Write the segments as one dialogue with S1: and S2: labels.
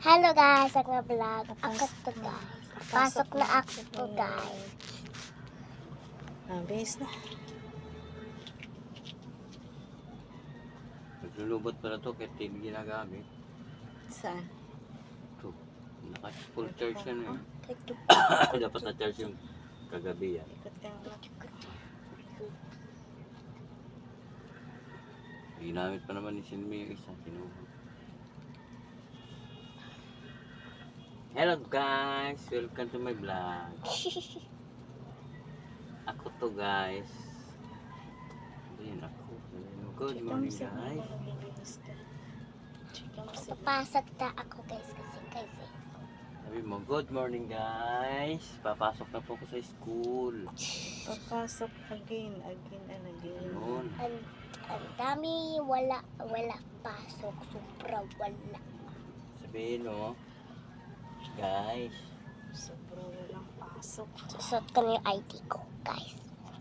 S1: Hello guys, ako nga vlog. Ako to guys. Pasok na ako guys.
S2: Base na.
S3: Naglulubot pala to kahit hindi ginagamit.
S2: Saan?
S3: Ito. Naka-full charge yan eh. Dapat na-charge yung kagabi yan.
S2: Ikot ka nga.
S3: Ginamit pa naman ni Sinmi yung isa. Kinuha. Hello guys! Welcome to my vlog. Ako to guys. Ayan ako. Good morning guys.
S1: Papasok na ako guys kasi.
S3: Sabi mo, good morning guys. Papasok na po ako sa school.
S2: Papasok again.
S3: Noon.
S1: Ang dami wala pasok. Sobra wala.
S3: Sabihin mo, guys.
S2: Sobrang walang pasok.
S1: Susot ko na yung ID ko guys.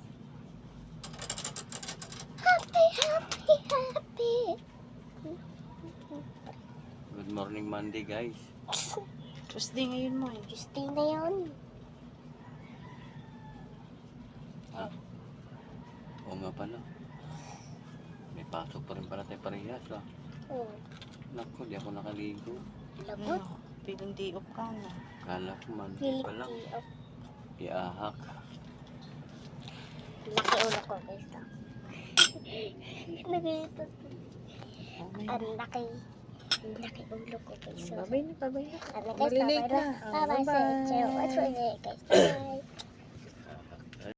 S1: Happy.
S3: Good morning Monday guys.
S2: Tuesday ngayon mo eh.
S1: Tuesday na yun.
S3: Oo nga pala. May pasok pa rin pala tayo parehas ah.
S1: Oh,
S3: Naku, di ako nakaligo.
S1: lagot.
S2: Piling di up ka na.
S3: Kala ko Monday pa lang.
S1: Piliki.
S3: Iahak.
S1: Laki ulo ko guys. Nagayito. Ang laki ulo ko guys.
S2: Babay na, babay na.
S1: Ano guys,
S2: Malilate
S1: bye-bye
S2: na.
S1: na. Bye-bye sa
S2: Bye-bye.
S1: inyo. Watch for guys. Bye.